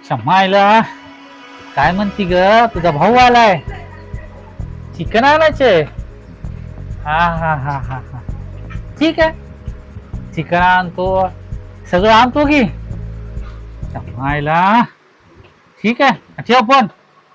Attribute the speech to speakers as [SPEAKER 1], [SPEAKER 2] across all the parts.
[SPEAKER 1] शमायला काय म्हणती ग? तुझा भाऊ आलाय, चिकन आणायचे. हा हा हा हा हा ठीक आहे, चिकन आणतो, सगळं आणतो की. शमायला ठीक आहे, ठेव पण.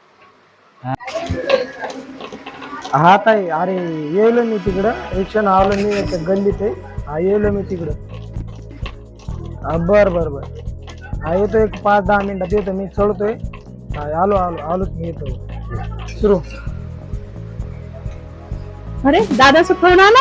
[SPEAKER 2] हा ताई, अरे येलो मी तिकडं रिक्षानं आलो मी त्या गल्लीत आहे. हा येलो मी तिकडं. बर बर बर, हा येतो एक 5-10 मिनिटात येतो मी, चढतोय. हा आलो आलो आलोच मी, येतो सुरू.
[SPEAKER 3] अरे दादाचा फोन आला.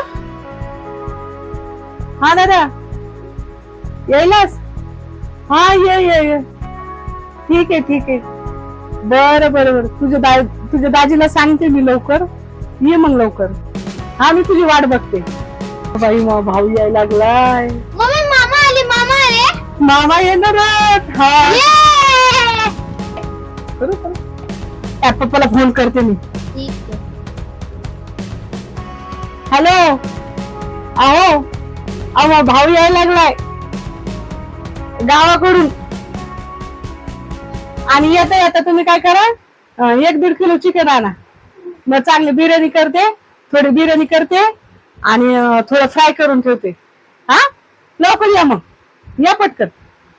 [SPEAKER 3] हा दादा यायलास? हा ये ये ये, ठीक आहे ठीक आहे. बरं बरं बरं, तुझ्या दाजीला सांगते मी लवकर ये, मग लवकर. हा मी तुझी वाट बघते. बाई मग भाऊ यायला लागलाय.
[SPEAKER 4] मम्मी मामा आले, मामा आले.
[SPEAKER 3] मामा येणार आहेत. हा
[SPEAKER 4] ये!
[SPEAKER 3] करू करू, त्या पप्पाला फोन करते मी.
[SPEAKER 4] ठीक आहे.
[SPEAKER 3] हॅलो, अहो अहो भाऊ यायला लागलाय गावाकडून. आणि येता येता तुम्ही काय करा, 1-1.5 किलो चिकन आणा. मग चांगली बिर्याणी करते, थोडी बिर्याणी करते आणि थोडं फ्राय करून ठेवते. हा लवकर या, मग या पटकन.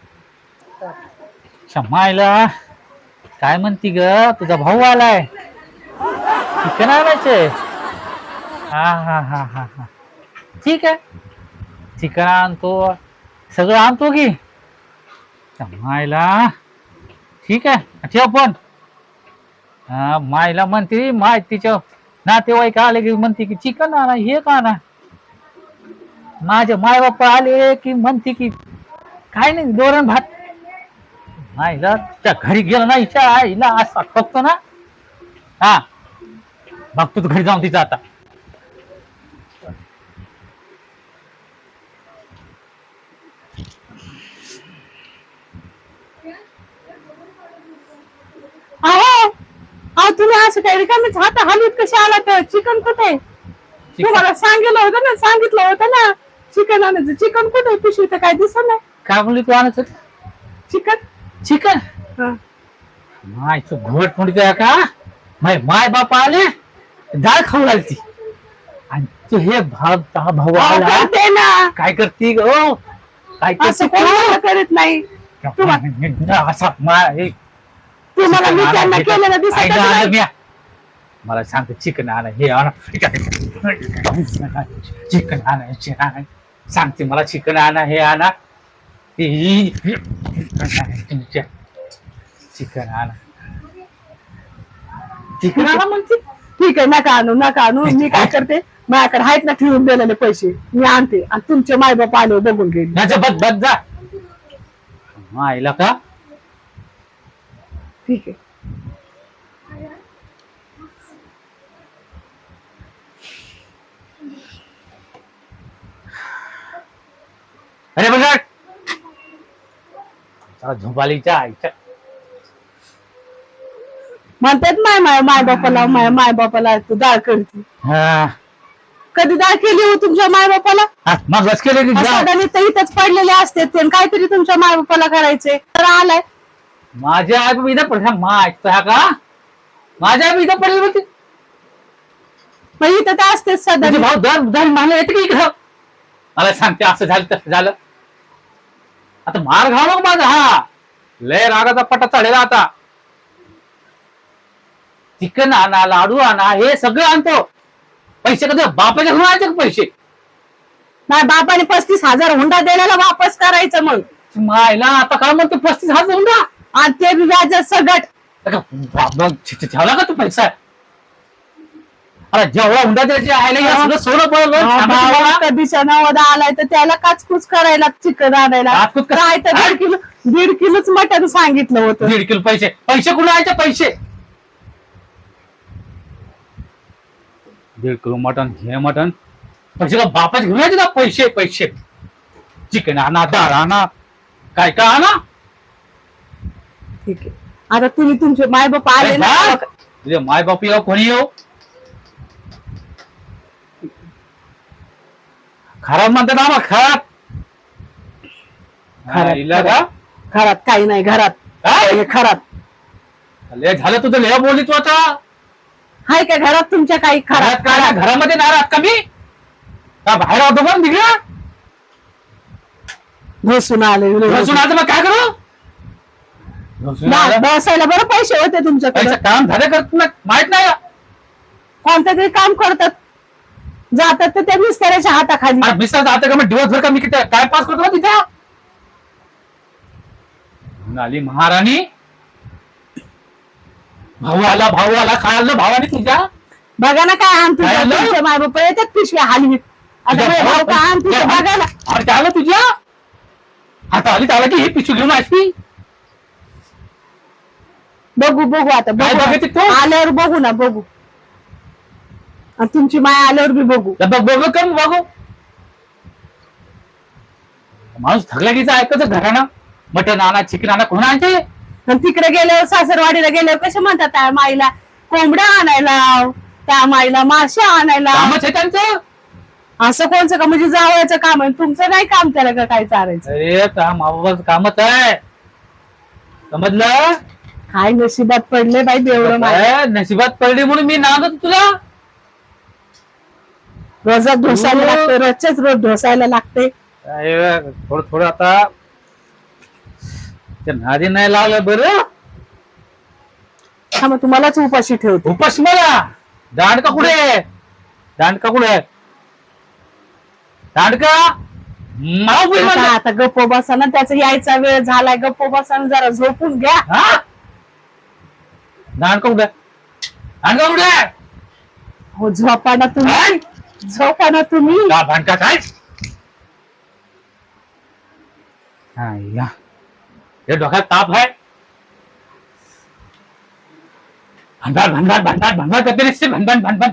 [SPEAKER 1] शमायला काय म्हणती ग? तुझा भाऊ आलाय, चिकन आणायचे. हा हा हा हा हा ठीक आहे, चिकन आणतो, सगळं आणतो की. मायला ठीक आहे, ठेव पण. हा मायला म्हणते, माय तिच्या नातेवाईक आले की म्हणते की चिकन आणा, हे का आणा. माझे माय बाप्पा आले की म्हणते की काय नाही, दोरण भात. मायला त्या घरी गेलं ना, हिच्या आईला असा बघतो ना. हा बघतो तू घरी जाऊन तिचा आता.
[SPEAKER 3] अहो अहो तुम्ही असं काय रिकामीच हात हलवीत कसे आला? तर चिकन कुठे? तुम्हाला सांगितलं होतं ना चिकन आणायचं. चिकन कुठे? पिशवी तर काय दिसत नाही.
[SPEAKER 1] काय म्हणली तू आणायचं?
[SPEAKER 3] चिकन
[SPEAKER 1] चिकन मायचं घोट म्हणते का? माय बाप आले, डाळ खाऊ लागती आणि तू हे भाऊ आला
[SPEAKER 3] करते ना,
[SPEAKER 1] काय करती ग? काय
[SPEAKER 3] असं
[SPEAKER 1] करते
[SPEAKER 3] कोणाला करत नाही.
[SPEAKER 1] असा
[SPEAKER 3] तुम्हाला मी त्यांना केलेलं दिसत नाही.
[SPEAKER 1] मला सांगते चिकन आणा, हे आणा, चिकन आणायचे. सांगते मला चिकन आणा, हे आणा, चिकन आणा, चिकन आणा म्हणते.
[SPEAKER 3] ठीक आहे, नका आणू. मी काय करते, माझ्याकडे आहेत ना ठेवून दिलेले पैसे, मी आणते आणि तुमचे मायबाप आले बघून गेले.
[SPEAKER 1] बद जा आईला का.
[SPEAKER 3] ठीक आहे.
[SPEAKER 1] अरे बघा झोपालीच्या आईच्या
[SPEAKER 3] म्हणतात माय बापाला तू डाळ करते. कधी डाळ केली हो तुमच्या माय बापाला?
[SPEAKER 1] मग बस केले की
[SPEAKER 3] इथंच पडलेले असते ते, काहीतरी तुमच्या माय बापाला करायचे. तर आलाय
[SPEAKER 1] माझ्या आई इथं पडला का? माझ्या आई इथं पडली होती.
[SPEAKER 3] मग इथं तर असतेच सध्या.
[SPEAKER 1] भाऊ दर मला येते की इकडं. मला सांगते असं झालं तसं झालं. आता मार घाव नको माझा. हा लय रागाचा पट्टा चढेला आता. चिकन आणा, लाडू आणा, हे सगळं आणतो. पैसे कधी बापाच्या घरून आणायचे का पैसे?
[SPEAKER 3] नाही, बापाने 35,000 हुंडा दिलेला वापस करायचं. मग
[SPEAKER 1] मायला आता काय म्हणतो 35,000 हुंडा
[SPEAKER 3] आणि ते व्याज सगट.
[SPEAKER 1] ठेवला का तू पैसा? अरे जेवढा हुंडा द्यायचे आहे सोनं पडलं.
[SPEAKER 3] कधीच्या नवदा आलाय तर त्याला काचकूच करायला चिकन आणायला. काय तर 1.5 किलोच मटण सांगितलं होतं.
[SPEAKER 1] 1.5 किलो पैसे कुठे आणायचे? पैसे 1.5 किलो मटन, हे मटन पैसे का बापाच घेऊन यायचे ना? पैसे चिकन आणा, डाळ आणा, काय आणा.
[SPEAKER 3] ठीक आहे, आता तुम्ही तुमचे माय बाप आले ना.
[SPEAKER 1] तुझे माय बाप येऊ, कोणी येऊ, खराब म्हणतात ना. खराब
[SPEAKER 3] घरात काही नाही. घरात
[SPEAKER 1] काय
[SPEAKER 3] खराब
[SPEAKER 1] लय झालं तुझं लय बोलली तू आता
[SPEAKER 3] हाय का घरात तुमच्या काही
[SPEAKER 1] घरात
[SPEAKER 3] खराब
[SPEAKER 1] काय घरामध्ये नाही राहत का मी का बाहेर होतो पण निघला
[SPEAKER 3] घोसून आले
[SPEAKER 1] बसून आता मग काय करू बसून आलं.
[SPEAKER 3] बसायला बरं पैसे होते तुमच्याकडे
[SPEAKER 1] पैसे काम झाले करत ना माहित नाही का?
[SPEAKER 3] कोणतं तरी काम करतात जातात तर त्या मिस्त्याच्या हाताखाली
[SPEAKER 1] अरे मिस्टर जाते का मग दिवसभर का मी किती काय पास करतो ना तिथे म्हणाली महाराणी भाऊ आला काय आलं भावाने तुझ्या
[SPEAKER 3] बघा ना काय आण
[SPEAKER 1] काय आलं?
[SPEAKER 3] तुमच्या माय बाप येतात पिशव्या हलवीत आता
[SPEAKER 1] तुझ्या
[SPEAKER 3] माझे भाऊ काय आण तुझ्या बघा ना
[SPEAKER 1] अरे काय आलं तुझ्या आता आली त्याला की हे पिशू घेऊन अशी
[SPEAKER 3] बघू आता
[SPEAKER 1] काय बघायचं
[SPEAKER 3] बघू
[SPEAKER 1] तू?
[SPEAKER 3] आल्यावर बघू ना बघू आणि तुमची माय आल्यावर बी बघू
[SPEAKER 1] बघ कर बघू माणूस थकला की ऐकायचं घरानं मटण आणा चिकन आणा कोण आणते
[SPEAKER 3] आणि तिकडे गेल्यावर सासरवाडीला गेल्यावर कसे म्हणतात त्या माईला कोंबड्या आणायला त्या माईला मासे आणायला
[SPEAKER 1] कामच आहे त्यांचं
[SPEAKER 3] असं कोणचं का म्हणजे जावयाचं काम आहे तुमचं नाही काम त्याला का काय चालायचं
[SPEAKER 1] अरे त्या माबाबाचं कामच आहे समजलं
[SPEAKER 3] काय नशिबात पडले बाई एवढं माझ्या
[SPEAKER 1] काय नशिबात पडली म्हणून मी नांदत तुला
[SPEAKER 3] रोजात ढोसायला लागते रोजच्याच रोज ढोसायला लागते
[SPEAKER 1] काय थोडं आता त्या नादी नाही लावलं बरं
[SPEAKER 3] हा मग तुम्हालाच उपाशी ठेवतो
[SPEAKER 1] उपास मला दांडका कुठे आहे? दांडका कुठे आहे? दांडका मला उभी
[SPEAKER 3] आता
[SPEAKER 1] म्हणलं.
[SPEAKER 3] आता गप्प बसा ना त्याचा यायचा वेळ झालाय गप्प बसा ना जरा झोपून घ्या
[SPEAKER 1] हा? दांडका कुठे आहे? दांडका कुठे आहे?
[SPEAKER 3] हो झोपा ना तुम्ही झोपा ना तुम्ही
[SPEAKER 1] का भांडका काय हा या हे डोक्यात ताप आहे भंडार करते नुसते भंडार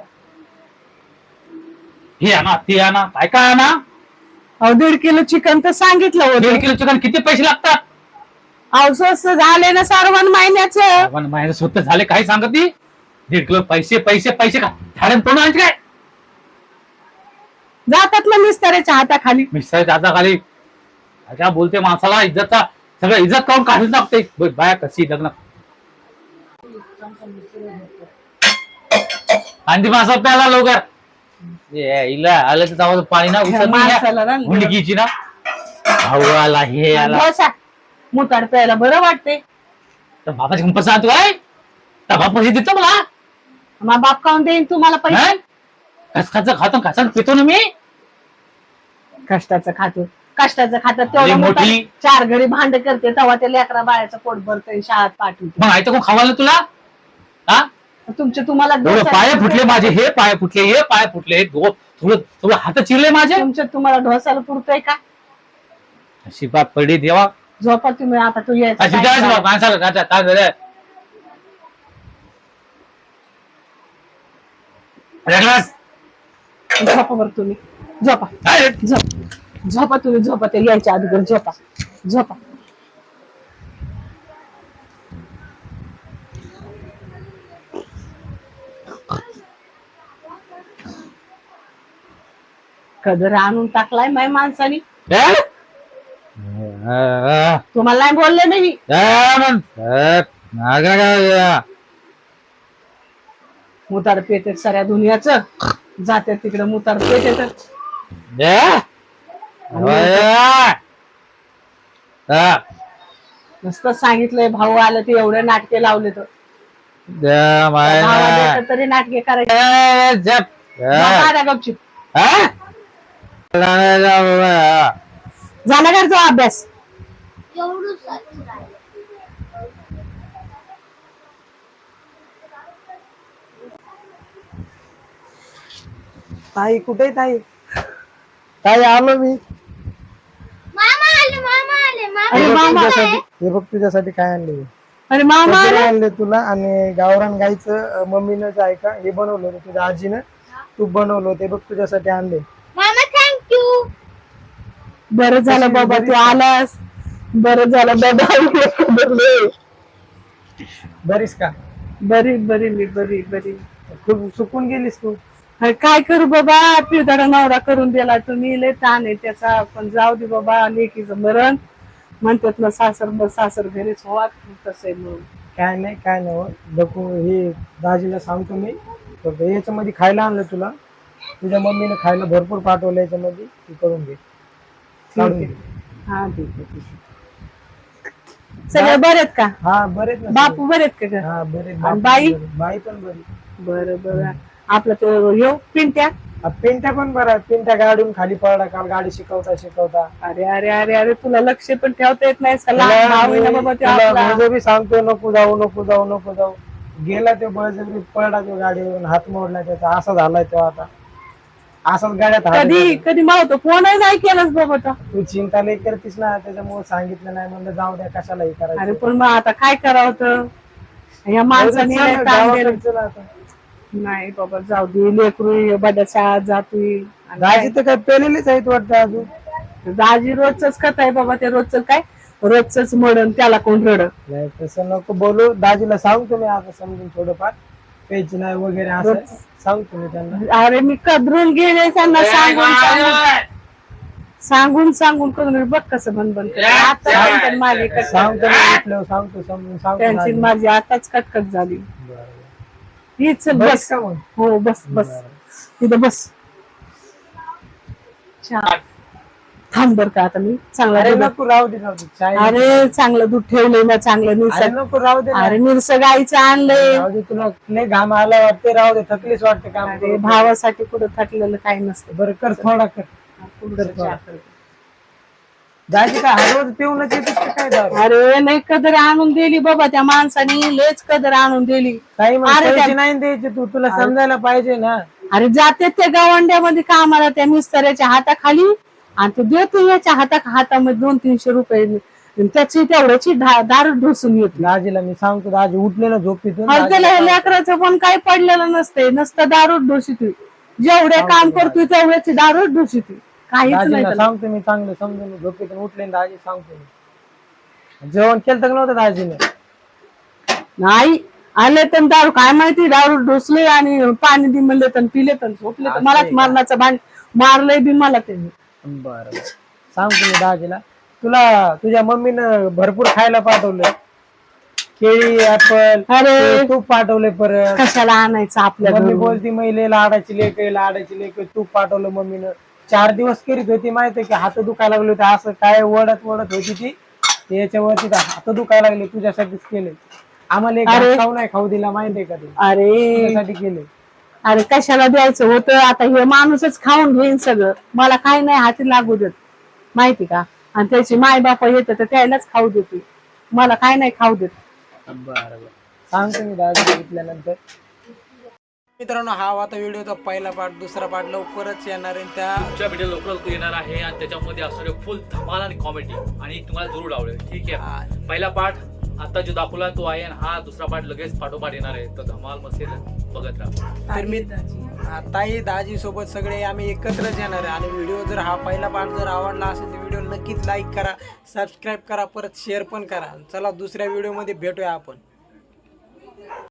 [SPEAKER 1] हे आणा ते आणा काय काय आणा
[SPEAKER 3] अहो 1.5 किलो चिकन तर सांगितलं
[SPEAKER 1] 1.5
[SPEAKER 3] होतं
[SPEAKER 1] किलो चिकन किती पैसे लागतात
[SPEAKER 3] अहो स्वस्त झाले ना सर्वान महिन्याचं
[SPEAKER 1] आपण महिने स्वतः झाले काही सांगत ती 1.5 किलो पैसे का झाडे तोडून आणते काय
[SPEAKER 3] जातात ना मिस्त्याच्या हाताखाली
[SPEAKER 1] मिस्टर आता खाली काय बोलते माणसाला इज्जतचा सगळं इज्जत काढून काढून टाकते बाया कशी लग्न आणि माणसा प्याला लवकर इला आलं तर जावं पाणी ना
[SPEAKER 3] माणसाला ना
[SPEAKER 1] हुंडकीची ना भाऊ आला हे आला
[SPEAKER 3] ढोसा मुताड प्यायला बरं वाटते
[SPEAKER 1] तर बापाची कंपस आणतो काय तर बाप पैसे देतो मला
[SPEAKER 3] मग बाप काऊन देईन तुम्हाला पैसे
[SPEAKER 1] खसखाचं खातो खसान पितो ना मी
[SPEAKER 3] कष्टाचं खातो
[SPEAKER 1] अरे
[SPEAKER 3] तेवढं
[SPEAKER 1] मोठी.
[SPEAKER 3] मोठं 4 घडी भांड करते तेव्हा ते लेकरा बाळाचं पोट भरतंय शाळेत पाठवते
[SPEAKER 1] मग आयतं कोण खावायला तुला हा
[SPEAKER 3] तुमचे तुम्हाला
[SPEAKER 1] एवढं
[SPEAKER 3] डोसा-
[SPEAKER 1] पाय फुटले माझे हे पाय फुटले थोडं थोडं हात चिरले माझे
[SPEAKER 3] तुमच्या तुम्हाला ढोसाला पुरतोय का
[SPEAKER 1] अशी बाप पडली देवा
[SPEAKER 3] झोपा तुम्ही आता तू यायचं
[SPEAKER 1] अशी
[SPEAKER 3] काय
[SPEAKER 1] जायचं
[SPEAKER 3] करायचं?
[SPEAKER 1] बा, माणसाला काय काय झालं रेगलास.
[SPEAKER 3] झोपा बरं तुम्ही झोपा
[SPEAKER 1] काय?
[SPEAKER 3] झोपा तुम्ही झोपा ते यायच्या अगोदर झोपा कदर आणून टाकलाय माय माणसानी
[SPEAKER 1] काय?
[SPEAKER 3] तुम्हाला नाही बोलले नाही मुतार पेटेत साऱ्या दुनियाचं जाते तिकडे मुतार पेटेत नुसतं सांगितलंय भाऊ आलं ते एवढे नाटके लावले तर भावाला येतं तरी नाटके करायचे बघा गपचिप झाला का तो अभ्यास
[SPEAKER 2] ताई कुठे ताई ताई आलो मी
[SPEAKER 4] मामा आले मामा आले मामा
[SPEAKER 3] अरे मामा
[SPEAKER 2] हे बघ तुझ्यासाठी काय आणले
[SPEAKER 3] अरे मामा
[SPEAKER 2] कपडे आणले तुला आणि गावरान गाईचं मम्मीनं जे आहे का हे बनवलं होतं तुझ्या आजीनं तू बनवलं होतं हे बघ तुझ्यासाठी आणले
[SPEAKER 4] मामा थँक्यू
[SPEAKER 3] बरं झालं बाबा तू आलास बरं झालं बाबा
[SPEAKER 2] बरीस का
[SPEAKER 3] बरी बरी मी बरी
[SPEAKER 2] खूप सुकून गेलीस तू
[SPEAKER 3] अरे काय करू बाबा पिवदाडा नवरा करून दिला तुम्ही लय ताण आहे त्याचा पण जाऊ दे बाबा लेकीचं मरण म्हणतात ना सासर घरीच हो तसं आहे मग.
[SPEAKER 2] काय नाही हो. बघू हे दाजीला सांगतो मी. तर याच्यामध्ये खायला आणलं तुला, तुझ्या मम्मीने खायला भरपूर पाठवलं याच्यामध्ये, तू करून घे. काढून घे.
[SPEAKER 3] हा ठीक आहे. सगळे बरे आहेत का?
[SPEAKER 2] हा बरेच ना
[SPEAKER 3] बापू बरे आहेत का?
[SPEAKER 2] हा बरेच.
[SPEAKER 3] आणि बाई?
[SPEAKER 2] बाई पण बरी.
[SPEAKER 3] बरं आपलं तो येऊ पिंट्या.
[SPEAKER 2] पिंट्या पण बरा. पिंट्या गाडून खाली पडला काल गाडी शिकवता.
[SPEAKER 3] अरे अरे अरे अरे तुला लक्ष पण ठेवता येत नाही. लहान भाऊ आहे ना बाबा तो आपला.
[SPEAKER 2] बळजबरी सांगतो नको जाऊ. गेला ते बळजबरी पडला तो गाडीवरून, हात मोडला त्याचा, असा झालाय तो आता. असाच गाड्यात हात
[SPEAKER 3] कधी मावतो फोनही नाही केलास बाबा तो.
[SPEAKER 2] तू चिंता नाही करतीस ना, त्याच्यामुळे सांगितलं नाही, म्हणलं जाऊ द्या कशाला हे
[SPEAKER 3] अरे
[SPEAKER 2] करायचं.
[SPEAKER 3] पण मग आता काय करावं तर या माणसाने लय ताण दिलं.
[SPEAKER 2] गावाकडचं ना आता.
[SPEAKER 3] नाही बाबा जाऊ दे, लेकरू बड्या शाळेत जातोय.
[SPEAKER 2] दाजी तर काय पेलेलेच आहेत वाटतं अजून.
[SPEAKER 3] दाजी रोजच कथा आहे बाबा, ते रोजच मडन त्याला कोण रड.
[SPEAKER 2] नाही तसं नको बोलू. दाजीला सांगतो मी आता समजून थोडंफार, प्यायची नाही वगैरे असं सांगतो मी त्यांना.
[SPEAKER 3] अरे मी कदरून गेले त्यांना सांगून कदरून बघ कसं बंद आता माझी
[SPEAKER 2] सांगतो मी उठल्यावर सांगतो, समजून सांगतो
[SPEAKER 3] त्यांची
[SPEAKER 2] दाजीला.
[SPEAKER 3] माझी आताच कटकट झाली.
[SPEAKER 2] बरं.
[SPEAKER 3] हीच
[SPEAKER 2] बस
[SPEAKER 3] बस.
[SPEAKER 2] का मग?
[SPEAKER 3] हो बस तिथं बस. थांब बर का आता मी चांगला
[SPEAKER 2] अरे
[SPEAKER 3] दूध-
[SPEAKER 2] नको राहू दे चाय.
[SPEAKER 3] अरे चांगलं दूध ठेवलंय ना, चांगलं
[SPEAKER 2] अरे
[SPEAKER 3] निरस.
[SPEAKER 2] नको राहू दे ना.
[SPEAKER 3] अरे निरस गाईचं आणलंय.
[SPEAKER 2] राहू दे, तुला लय घाम आला वाटते, राहू दे, थकलीच वाटते काम
[SPEAKER 3] अरे
[SPEAKER 2] करून.
[SPEAKER 3] भावासाठी कुठं थकलेलं काही नसतं.
[SPEAKER 2] बरं कर थोडा कर. दाजी काय हर रोज पिऊनच येते काय दारू?
[SPEAKER 3] अरे नाही कदर आणून दिली बाबा त्या माणसाने, लेच कदर आणून दिली.
[SPEAKER 2] काही मग
[SPEAKER 3] अरे
[SPEAKER 2] पैसे
[SPEAKER 3] त्या-
[SPEAKER 2] नाही द्यायचे, तुला समजायला पाहिजे ना.
[SPEAKER 3] अरे जाते त्या गावंड्यामध्ये कामाला त्या मिस्त्याच्या हाताखाली, आणि तो देतो याच्या हातामध्ये 200-300 रुपये. त्याची तेवढ्याची दारू ढोसून येते.
[SPEAKER 2] दाजीला मी सांगतो, दाजी उठले ना झोपेतून.
[SPEAKER 3] अरे त्याला लेकराचं पण काही पडलेलं नसते, नुसतं दारू ढोशीतोय. जेवढे काम करतोय तेवढ्याची दारू ढोशीतोय, काहीच नाही
[SPEAKER 2] दाजीला
[SPEAKER 3] त्याला.
[SPEAKER 2] सांगतो मी चांगलं समजून, झोपेतून उठले ना दाजी सांगतो मी. जेवण केलं तर नव्हतं दाजीने?
[SPEAKER 3] नाही आले तर दारू काय माहिती, दारू ढोसले आणि पाणी दि म्हणले तर पिले तर झोपले तर मलाच मारण्याचं भांड मारलंय बी मला त्यांनी.
[SPEAKER 2] बरं सांगतो मी दाजीला. तुझ्या मम्मीनं भरपूर खायला पाठवलं, केळी, ऍपल,
[SPEAKER 3] अरे
[SPEAKER 2] तूप पाठवले. परत
[SPEAKER 3] कशाला आणायचं आपल्या
[SPEAKER 2] मम्मी
[SPEAKER 3] घरून?
[SPEAKER 2] बोलती महिला लाडाची लेक, तूप पाठवलं मम्मीनं. 4 दिवस करीत होती, माहितीये की हात दुखायला लागले होते, असं काय वडत होती ती. याच्यावरती हात दुखायला लागले, तुझ्यासाठीच केले. आम्हाला एक घास खाऊ नाही खाऊ दिला, माहितीये का ते?
[SPEAKER 3] अरे
[SPEAKER 2] तुझ्यासाठी केले.
[SPEAKER 3] अरे कशाला द्यायचं होतं, आता हे माणूसच खाऊन घेईन सगळं, मला काही नाही हाती लागू देत माहिती का. आणि त्याची माय बापा येतं तर त्यालाच खाऊ देते, मला काय नाही खाऊ देत.
[SPEAKER 2] बरं सांगतो मी दाजी बघितल्यानंतर. मित्रांनो, हा आता व्हिडिओचा पहिला पार्ट, दुसरा पार्ट लवकरच येणार आहे.
[SPEAKER 1] तुमच्या व्हिडिओ लवकरच येणार आहे आणि त्याच्यामध्ये असणारे फुल धमाल आणि कॉमेडी आणि तुम्हाला जरूर आवडेल. ठीक आहे, पहिला पार्ट आता जो दाखवला तो आहे, आणि हा दुसरा पार्ट लगेच पाठोपाठ येणार आहे. तर धमाल मस्ती बघत राहा.
[SPEAKER 2] तर मी ताई दाजी सोबत सगळे आम्ही एकत्रच येणार आहे. आणि व्हिडिओ जर हा पहिला पार्ट जर आवडला असेल तर व्हिडिओ नक्कीच लाईक करा, सबस्क्राईब करा, परत शेअर पण करा. चला दुसऱ्या व्हिडिओमध्ये भेटूया आपण.